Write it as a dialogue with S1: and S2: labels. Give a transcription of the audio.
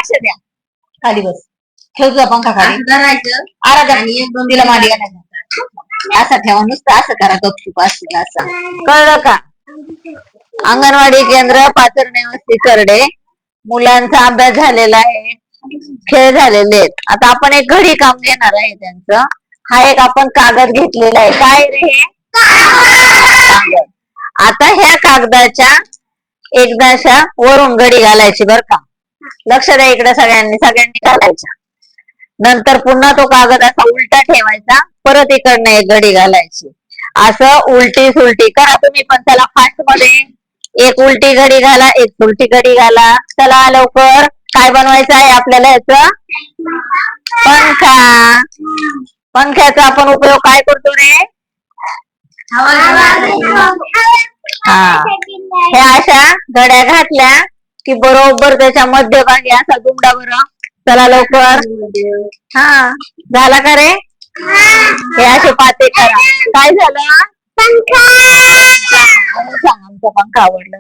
S1: लक्ष द्या. खाली बस. ठेव तुझा पंखा खाली. आराध्या तिला मांडी घालायचं असं ठेवा. नुसतं असं करा. गपचूप असं असं. कळलं का? अंगणवाडी केंद्र पाचरणे वस्ती करडे. मुलांचा अभ्यास झालेला आहे. खेळ झालेले आहेत. आता आपण एक घडी काम घेणार आहे त्यांचं. हा एक आपण कागद घेतलेला आहे. काय रे हे? कागद. आता ह्या कागदाच्या एकदाशा वरून घडी घालायची बर का. लक्ष द्या इकडे सगळ्यांनी घालायच्या. नंतर पुन्हा तो कागद असा उलटा ठेवायचा. परत इकडनं एक घडी घालायची. असं उलटी सुलटी करा तुम्ही पण. त्याला फास्ट मध्ये. एक उलटी घडी घाला. एक उलटी घडी घाला. चला लवकर. काय बनवायचं आहे आपल्याला याच? पंखा. पंख्याचा आपण उपयोग काय करतो रे? हा. ह्या अशा घड्या घातल्या की बरोबर त्याच्या मध्यभागी असा दुमडा बरं. चला लवकर. हा झाला का रे? हे असे पाते करा. काय झालं? पंखा. सांग आमचा पंखा आवडला.